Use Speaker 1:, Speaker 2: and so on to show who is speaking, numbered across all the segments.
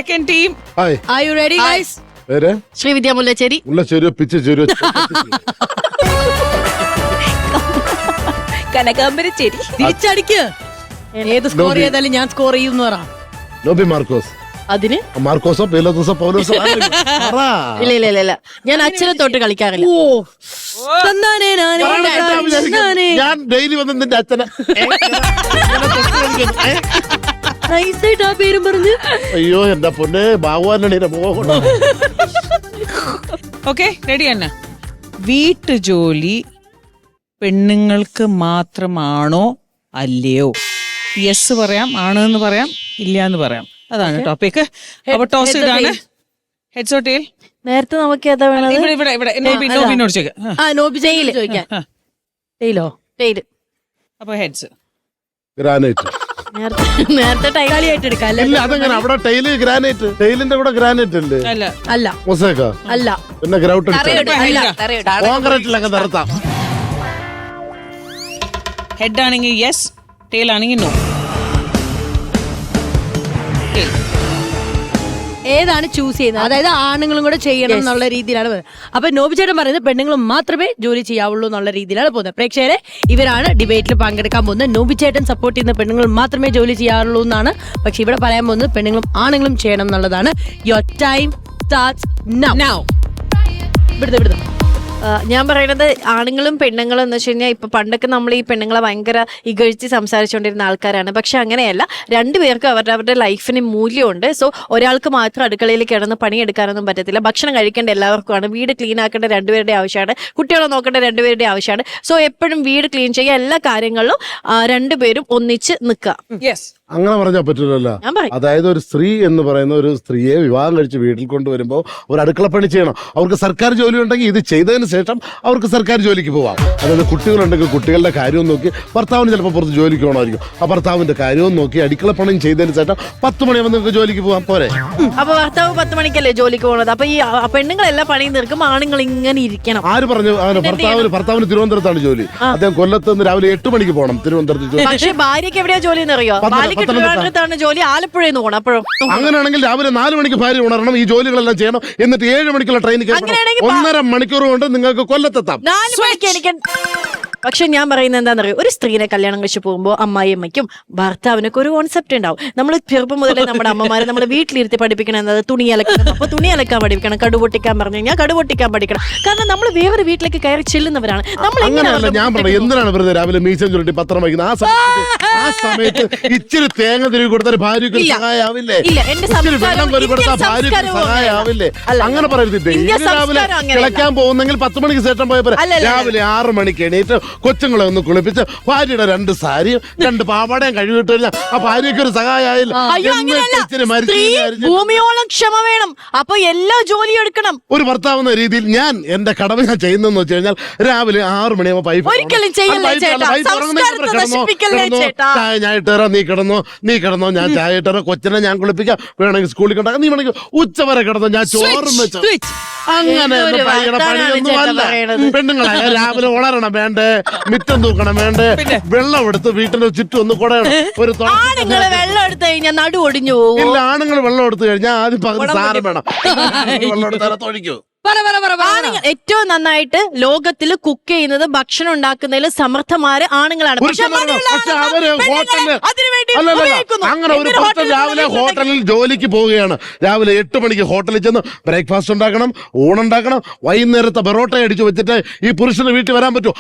Speaker 1: Second team.
Speaker 2: Are you ready, guys?
Speaker 3: Sreevidya Mullacheri.
Speaker 1: Kanakambaracheri.
Speaker 2: തിരിച്ചടിക്ക്. ഏത് score ചെയ്താലും ഞാൻ സ്കോർ ചെയ്യുന്നു പറ.
Speaker 4: നോബി മാർക്കോസ്.
Speaker 3: അതിന്
Speaker 4: മാർക്കോസോ പീലോസോ പൗലോസോ
Speaker 3: ഇല്ല ഞാൻ അച്ഛനെ തൊട്ട് കളിക്കാറില്ല.
Speaker 4: ഞാൻ ഡെയിലി വന്ന് നിന്റെ അച്ഛനെ
Speaker 3: നൈസായിട്ട് ആ പേരും പറഞ്ഞ്.
Speaker 4: അയ്യോ എന്റെ പൊന്നെ ഭഗവാനാണ് പോകണം.
Speaker 1: ഓക്കെ, റെഡി തന്നെ. വീട്ടുജോലി പെണ്ണുങ്ങൾക്ക് മാത്രമാണോ അല്ലയോ? യെസ് പറയാം, ആണെന്ന് പറയാം, ഇല്ല എന്ന് പറയാം. അതാണ് ടോപ്പിക്. അപ്പൊ ടോസ് ഇതാണ്. Heads or tail?
Speaker 3: നേരത്തെ നമുക്ക് ഏതാ വേണത്?
Speaker 1: ഇവിടെ നോബിനോട്
Speaker 3: ചോദിക്കാൻ. ടെയിലോ? ടെയിൽ.
Speaker 1: അപ്പൊ ഹെഡ്സ്.
Speaker 4: ഗ്രാനൈറ്റ്.
Speaker 3: നേരത്തെ ടൈലായിട്ട് എടുക്കാം.
Speaker 4: ഇല്ല അതെങ്ങനെ അവിടെ ടൈല് ഗ്രാനൈറ്റ്, ടൈലിന്റെ കൂടെ ഗ്രാനൈറ്റ് അല്ലേ?
Speaker 2: അല്ല
Speaker 4: മൊസൈക്ക
Speaker 2: അല്ല.
Speaker 4: പിന്നെ ഗ്രൗട്ട് കോൺക്രീറ്റിലൊക്കെ നിർത്താം.
Speaker 1: ഹെഡ് ആണെങ്കിൽ യെസ്, ടെയിൽ ആണെങ്കിൽ നോ.
Speaker 2: ഏതാണ് ചൂസ് ചെയ്യുന്നത്? അതായത് ആണുങ്ങളും കൂടെ ചെയ്യണം എന്നുള്ള രീതിയിലാണ് പോകുന്നത്. അപ്പൊ നോബി ചേട്ടൻ പറയുന്നത് പെണ്ണുങ്ങളും മാത്രമേ ജോലി ചെയ്യാവുള്ളൂ എന്നുള്ള രീതിയിലാണ് പോകുന്നത്. പ്രേക്ഷകരെ, ഇവരാണ് ഡിബേറ്റിൽ പങ്കെടുക്കാൻ പോകുന്നത്. നോബി ചേട്ടൻ സപ്പോർട്ട് ചെയ്യുന്ന പെണ്ണുങ്ങൾ മാത്രമേ ജോലി ചെയ്യാറുള്ളൂ എന്നാണ്. പക്ഷെ ഇവിടെ പറയാൻ പോകുന്നത് പെണ്ണുങ്ങളും ആണുങ്ങളും ചെയ്യണം എന്നുള്ളതാണ്. Your time starts now. വിടുന്നു.
Speaker 3: ഞാൻ പറയുന്നത് ആണുങ്ങളും പെണ്ണുങ്ങളും എന്ന് വെച്ച് കഴിഞ്ഞാൽ ഇപ്പൊ പണ്ടൊക്കെ നമ്മൾ ഈ പെണ്ണുങ്ങളെ ഭയങ്കര ഇകഴ്ത്തി സംസാരിച്ചുകൊണ്ടിരുന്ന ആൾക്കാരാണ്. പക്ഷെ അങ്ങനെയല്ല, രണ്ടുപേർക്കും അവരുടെ ലൈഫിന് മൂല്യമുണ്ട്. സോ ഒരാൾക്ക് മാത്രം അടുക്കളയിൽ കിടന്ന് പണിയെടുക്കാനൊന്നും പറ്റത്തില്ല. ഭക്ഷണം കഴിക്കേണ്ട എല്ലാവർക്കുമാണ്, വീട് ക്ലീൻ ആക്കേണ്ട രണ്ടുപേരുടെ ആവശ്യമാണ്, കുട്ടികളെ നോക്കേണ്ട രണ്ടുപേരുടെ ആവശ്യമാണ്. സോ എപ്പോഴും വീട് ക്ലീൻ ചെയ്യുക, എല്ലാ കാര്യങ്ങളിലും രണ്ടുപേരും ഒന്നിച്ച് നിൽക്കുക.
Speaker 4: അങ്ങനെ പറഞ്ഞാൽ പറ്റില്ലല്ലോ. അതായത് ഒരു സ്ത്രീ എന്ന് പറയുന്ന ഒരു സ്ത്രീയെ വിവാഹം കഴിച്ച് വീട്ടിൽ കൊണ്ടുവരുമ്പോൾ ഒരു അടുക്കളപ്പണി ചെയ്യണം. അവർക്ക് സർക്കാർ ജോലി ഉണ്ടെങ്കിൽ ഇത് ചെയ്തതിന് ശേഷം അവർക്ക് സർക്കാർ ജോലിക്ക് പോവാം. അതായത് കുട്ടികളുണ്ടെങ്കിൽ കുട്ടികളുടെ കാര്യവും നോക്കി, ഭർത്താവിന് ചിലപ്പോൾ പുറത്ത് ജോലിക്ക് പോകണമായിരിക്കും, ആ ഭർത്താവിന്റെ കാര്യവും നോക്കി അടുക്കളപ്പണിയും ചെയ്തതിന് ശേഷം 10 മണിയാകുമ്പോൾ നിങ്ങൾക്ക് ജോലിക്ക് പോവാം. പോരെ?
Speaker 3: അപ്പൊ ഭർത്താവ് 10 മണിക്കല്ലേ ജോലിക്ക് പോകുന്നത്? അപ്പൊ ഈ പെണ്ണുങ്ങളെല്ലാം പണിയും തീർക്കും, ആണുങ്ങൾ ഇങ്ങനെ ഇരിക്കണം.
Speaker 4: ആര് പറഞ്ഞു? ഭർത്താവിന് തിരുവനന്തപുരത്താണ് ജോലി. അദ്ദേഹം കൊല്ലത്ത് നിന്ന് രാവിലെ 8 മണിക്ക് പോകണം തിരുവനന്തപുരത്ത്.
Speaker 3: പക്ഷേ ഭാര്യയ്ക്ക് എവിടെയാ ജോലി എന്നറിയോ? ാണ് ജോലി, ആലപ്പുഴയിൽ നിന്ന് പോകണം. അപ്പോഴും
Speaker 4: അങ്ങനെയാണെങ്കിൽ രാവിലെ 4 മണിക്ക് ഭാര്യ ഉണരണം, ഈ ജോലികളെല്ലാം ചെയ്യണം, എന്നിട്ട് 7 മണിക്കുള്ള ട്രെയിൻ 1.5 മണിക്കൂർ കൊണ്ട് നിങ്ങൾക്ക് കൊല്ലത്തെത്താം.
Speaker 3: 4 മണിക്ക് എനിക്ക്. പക്ഷെ ഞാൻ പറയുന്നത് എന്താണെന്നറിയോ, ഒരു സ്ത്രീനെ കല്യാണം കഴിച്ച് പോകുമ്പോൾ അമ്മായിയമ്മയ്ക്കും ഭർത്താവിനൊക്കെ ഒരു കോൺസെപ്റ്റ് ഉണ്ടാവും. നമ്മൾ ചെറുപ്പം മുതലേ നമ്മുടെ അമ്മമാരെ നമ്മൾ വീട്ടിലിരുത്തി പഠിപ്പിക്കണം എന്നത് തുണി അലക്കണം. അപ്പൊ തുണി അലക്കാൻ പഠിപ്പിക്കണം, കടുപൊട്ടിക്കാൻ പറഞ്ഞു കഴിഞ്ഞാൽ കടുപൊട്ടിക്കാൻ പഠിക്കണം. കാരണം നമ്മൾ വേറെ വീട്ടിലേക്ക് കയറി ചെല്ലുന്നവരാണ്. നമ്മൾ
Speaker 4: അങ്ങനെയല്ല ഞാൻ പറഞ്ഞു. എന്തിനാണ് വെറുതെ രാവിലെ മീശം ചുരുട്ടി പത്രം വയ്ക്കുന്നത്? ആ സമയത്ത് ഇച്ചിരി തേങ്ങ തിരികെ കൊടുത്താൽ ഭാര്യക്ക് സഹായാവില്ലേ? ഇച്ചിരി വെള്ളം കോരി കൊടുത്താൽ ഭാര്യക്ക് സഹായാവില്ലേ? അങ്ങനെ പറയരുത്. രാവിലെ കിളയ്ക്കാൻ പോകുന്നെങ്കിൽ 10 മണിക്ക് ശേഷം പോയപ്പോ രാവിലെ 6 മണിക്ക് എണീറ്റ് കൊച്ചുങ്ങളെ ഒന്ന് കുളിപ്പിച്ച് ഭാര്യയുടെ 2 സാരിയും 2 പാവാടയും കഴുകിട്ട് കഴിഞ്ഞാൽ ആ ഭാര്യയ്ക്ക് ഒരു സഹായില്ല.
Speaker 3: ഭൂമിയോളം ക്ഷമ വേണം. അപ്പൊ എല്ലാ ജോലിയും എടുക്കണം.
Speaker 4: ഒരു ഭർത്താവെന്ന രീതിയിൽ ഞാൻ എന്റെ കടമ ഞാൻ ചെയ്യുന്നതെന്ന് വെച്ച് കഴിഞ്ഞാൽ രാവിലെ 6 മണിയാകുമ്പോൾ പൈപ്പ്
Speaker 3: ഒരിക്കലും
Speaker 4: ചായ ഞാൻ ഇട്ടുതരാം, നീ കിടന്നോ, ഞാൻ ചായ ഇട്ടുതരാം, കൊച്ചിനെ ഞാൻ കുളിപ്പിക്കാം, വേണമെങ്കിൽ സ്കൂളിൽ കൊണ്ടാക്കാം, നീ വേണമെങ്കിൽ ഉച്ചവരെ കിടന്നോ, ഞാൻ ചോറും വെച്ചോ. അങ്ങനെ പണിയൊന്നും അല്ല. പെണ്ണുങ്ങളായ രാവിലെ ഉണരണം വേണ്ടേ, മിറ്റം തൂക്കണം വേണ്ടേ, വെള്ളം എടുത്ത് വീട്ടിന് ചുറ്റും ഒന്ന് കുടയണം. ഒരു
Speaker 3: വെള്ളം എടുത്തു കഴിഞ്ഞാൽ നടു ഒടിഞ്ഞു പോകും.
Speaker 4: ഇല്ല, ആണുങ്ങൾ വെള്ളം എടുത്തു കഴിഞ്ഞാൽ ആദ്യം പകുതി സാരം വേണം. വെള്ളം എടുത്താൽ തൊഴിക്കൂ.
Speaker 3: ഏറ്റവും നന്നായിട്ട് ലോകത്തിൽ കുക്ക് ചെയ്യുന്നത്, ഭക്ഷണം ഉണ്ടാക്കുന്നതിൽ സമർത്ഥമാര് ആണുങ്ങളാണ്.
Speaker 4: അങ്ങനെ ഒരു പുരുഷൻ രാവിലെ ഹോട്ടലിൽ ജോലിക്ക് പോവുകയാണ്. രാവിലെ 8 മണിക്ക് ഹോട്ടലിൽ ചെന്ന് ബ്രേക്ക്ഫാസ്റ്റ് ഉണ്ടാക്കണം, ഊണുണ്ടാക്കണം, വൈകുന്നേരത്തെ പൊറോട്ട അടിച്ചു വെച്ചിട്ട് ഈ പുരുഷന് വീട്ടിൽ വരാൻ പറ്റുമോ?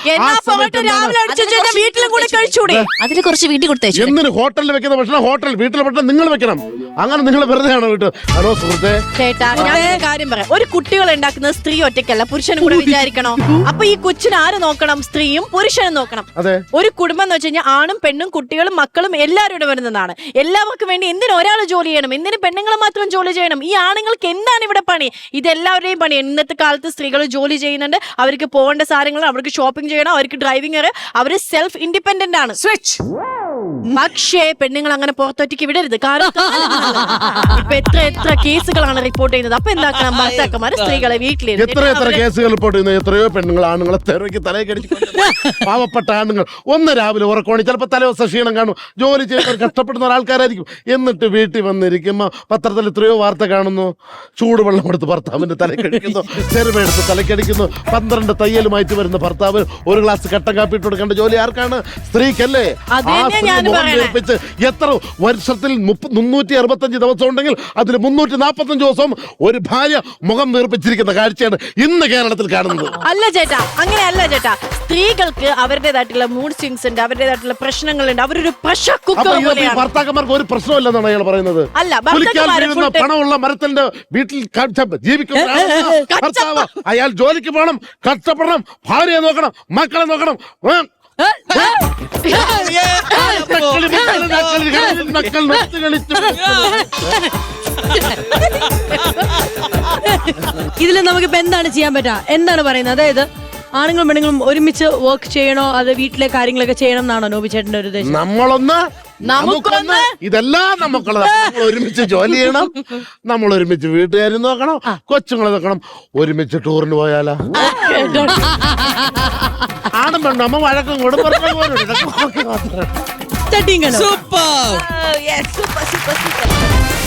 Speaker 3: അതിന് കുറച്ച് വീട്ടിൽ കൊടുത്തേച്ചു.
Speaker 4: എന്തിന് ഹോട്ടലിൽ വെക്കുന്ന ഭക്ഷണം വീട്ടിൽ ഭക്ഷണം നിങ്ങൾ വെക്കണം? അങ്ങനെ നിങ്ങൾ വെറുതെ ആണോ വീട്ടിൽ? ഹലോ സുഹൃത്തെ,
Speaker 3: ചേട്ടാ ഞാൻ കാര്യം പറയാം. ഒരു കുട്ടികൾ ഉണ്ടാക്കുന്നത് സ്ത്രീ ഒറ്റയ്ക്കല്ല, പുരുഷനും കൂടെ വിചാരിക്കണോ? അപ്പൊ ഈ കൊച്ചിന് ആര് നോക്കണം? സ്ത്രീയും പുരുഷനും നോക്കണം. ഒരു കുടുംബം എന്ന് വെച്ച് കഴിഞ്ഞാൽ ആണും പെണ്ണും കുട്ടികളും മക്കളും എല്ലാവരും ഇവിടെ വരുന്നതാണ്. എല്ലാവർക്കും വേണ്ടി എന്തിനും ഒരാൾ ജോലി ചെയ്യണം, എന്തിന് പെണ്ണുങ്ങൾ മാത്രം ജോലി ചെയ്യണം? ഈ ആണുങ്ങൾക്ക് എന്താണ് ഇവിടെ പണി? ഇതെല്ലാവരുടെയും പണി. ഇന്നത്തെ കാലത്ത് സ്ത്രീകൾ ജോലി ചെയ്യുന്നുണ്ട്, അവർക്ക് പോകേണ്ട സാധനങ്ങൾ, അവർക്ക് ഷോപ്പിംഗ് ചെയ്യണം, അവർക്ക് ഡ്രൈവിംഗ്, അവര് സെൽഫ് ഇൻഡിപെൻഡന്റ് ആണ്.
Speaker 1: സ്വിച്ച്.
Speaker 3: പക്ഷേ പെണ്ണുങ്ങൾ അങ്ങനെ പുറത്തൊറ്റയ്ക്ക് വിടരുത്. കാരണം ഇപ്പൊ എത്ര കേസുകളാണ് റിപ്പോർട്ട് ചെയ്യുന്നത്. അപ്പൊ എന്താക്കണം, ഭർത്താക്കന്മാര് സ്ത്രീകളെ വീട്ടിലിരുന്ന്
Speaker 4: എത്ര കേസുകൾ റിപ്പോർട്ട് ചെയ്യുന്ന എത്രയോ പെണ്ണുങ്ങൾ ആണുങ്ങളെ തെരക്ക് തലക്കടിച്ച് പാവപ്പെട്ട ആണുങ്ങൾ ഒന്ന് രാവിലെ ഉറക്കോണി ചിലപ്പോൾ തലേദിവസം ക്ഷീണം കാണും, ജോലി ചെയ്യുന്നവർ കഷ്ടപ്പെടുന്ന ഒരാൾക്കാരായിരിക്കും. എന്നിട്ട് വീട്ടിൽ വന്നിരിക്കുമ്പോൾ പത്രത്തിൽ എത്രയോ വാർത്ത കാണുന്നു, ചൂടുവെള്ളം എടുത്ത് ഭർത്താവിന്റെ തലക്കടിക്കുന്നു, ചെറുമെടുത്ത് തലക്കടിക്കുന്നു, 12 തയ്യലുമായിട്ട് വരുന്ന ഭർത്താവ് ഒരു ഗ്ലാസ് കട്ടൻ കാപ്പി ഇട്ട് കൊടുക്കേണ്ട ജോലി ആർക്കാണ്? സ്ത്രീക്കല്ലേ?
Speaker 3: അത്
Speaker 4: ആ
Speaker 3: തന്നെയാ
Speaker 4: സ്ത്രീ
Speaker 3: ഞാനും
Speaker 4: മുഖം
Speaker 3: പറയണേ.
Speaker 4: വീർപ്പിച്ച് എത്ര വർഷത്തിൽ 365 ദിവസം ഉണ്ടെങ്കിൽ അതിൽ 345 ദിവസം ഒരു ഭാര്യ മുഖം വീർപ്പിച്ചിരിക്കുന്ന കാഴ്ചയാണ് ഇന്ന് കേരളത്തിൽ കാണുന്നത്.
Speaker 3: അല്ല ചേട്ടാ, അങ്ങനെയല്ല ചേട്ടാ. സ്ത്രീകൾക്ക് അവരുടേതായിട്ടുള്ള മൂഡ് സ്വിങ്സ് ഉണ്ട്, അവരുടേതായിട്ടുള്ള പ്രശ്നങ്ങളുണ്ട്. അവരൊരു പ്രഷർ
Speaker 4: അപ്പൊ
Speaker 3: കുക്കർ
Speaker 4: ഈ
Speaker 3: പോലെയാണ്.
Speaker 4: ഭർത്താക്കന്മാർക്ക് ഒരു പ്രശ്നമില്ലെന്നാണ് അയാൾ പറയുന്നത്.
Speaker 3: അല്ല,
Speaker 4: കുലിക്കാൻ
Speaker 3: ഭർത്താക്കന്മാരെ
Speaker 4: വീഴുന്ന
Speaker 3: full time-
Speaker 4: പണമുള്ള മരത്തിന്റെ വീട്ടിൽ ജീവിക്കുന്ന ഒരാളാണ് ഭർത്താവ്. അയാൾ ജോലിക്ക് പോകണം, കഷ്ടപ്പെടണം, ഭാര്യയെ നോക്കണം, മക്കളെ നോക്കണം.
Speaker 2: ഇതിൽ നമുക്കിപ്പോ എന്താണ് ചെയ്യാൻ പറ്റുക? എന്താണ് പറയുന്നത്? അതായത് ആണുങ്ങളും പെണ്ണുങ്ങളും ഒരുമിച്ച് വർക്ക് ചെയ്യണോ, അത് വീട്ടിലെ കാര്യങ്ങളൊക്കെ ചെയ്യണം എന്നാണോ നോബി ചേട്ടന്റെ ഒരു ഉദ്ദേശം?
Speaker 4: നമ്മളൊന്ന് നമുക്കൊന്ന് ഇതെല്ലാം നമുക്കുള്ളത്. നമ്മൾ ഒരുമിച്ച് ജോലി ചെയ്യണം, നമ്മൾ ഒരുമിച്ച് വീട്ടുകാരും നോക്കണം, കൊച്ചുങ്ങളെ നോക്കണം, ഒരുമിച്ച് ടൂറിന് പോയാലോ? ആണും പെണ്ണും അമ്മ വഴക്കും കൊടുക്കും.
Speaker 2: ചട്ടിയും കലവും.
Speaker 1: സൂപ്പർ.
Speaker 3: Oh, yes, super.